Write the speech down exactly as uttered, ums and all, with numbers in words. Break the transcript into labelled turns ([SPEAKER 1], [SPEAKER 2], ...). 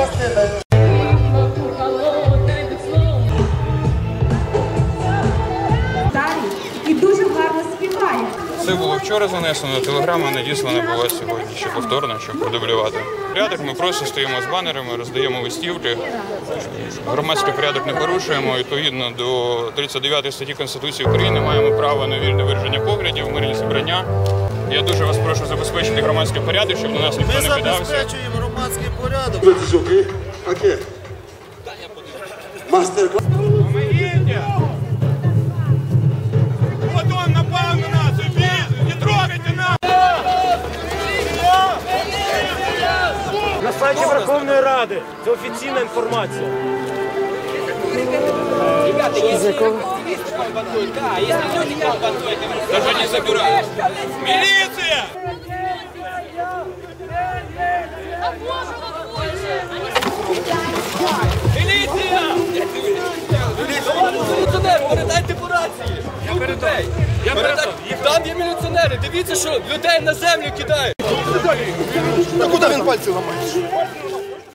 [SPEAKER 1] частини.
[SPEAKER 2] І дуже гарно співає.
[SPEAKER 3] Це було вчора занесено, телеграма надіслана була сьогодні ще повторно, щоб продублювати. Порядок ми просто стоїмо з банерами, роздаємо листівки. Громадський порядок не порушуємо. Відповідно до тридцять дев'ятої статті Конституції України маємо право на вільне вираження поглядів, мирні зібрання. Я дуже вас прошу забезпечити громадський порядок, щоб на нас ніхто не кидався.
[SPEAKER 4] Ми забезпечуємо громадський порядок.
[SPEAKER 1] Окей. Мастер-клас.
[SPEAKER 3] Вот он напал на нас, убейте, не трогайте нас!
[SPEAKER 5] На сайті Верховної Ради. Це офіційна інформація.
[SPEAKER 6] Ребята, если активисты бомбардуют, да, если люди бомбардуют,
[SPEAKER 3] Даже не забирают. Милиция!
[SPEAKER 6] Міліція! Міліціонер, передайте по рації! Я передаю! Я передаю! Там є міліціонери, дивіться, що людей на землю кидають!
[SPEAKER 4] Та куди він пальці ламає?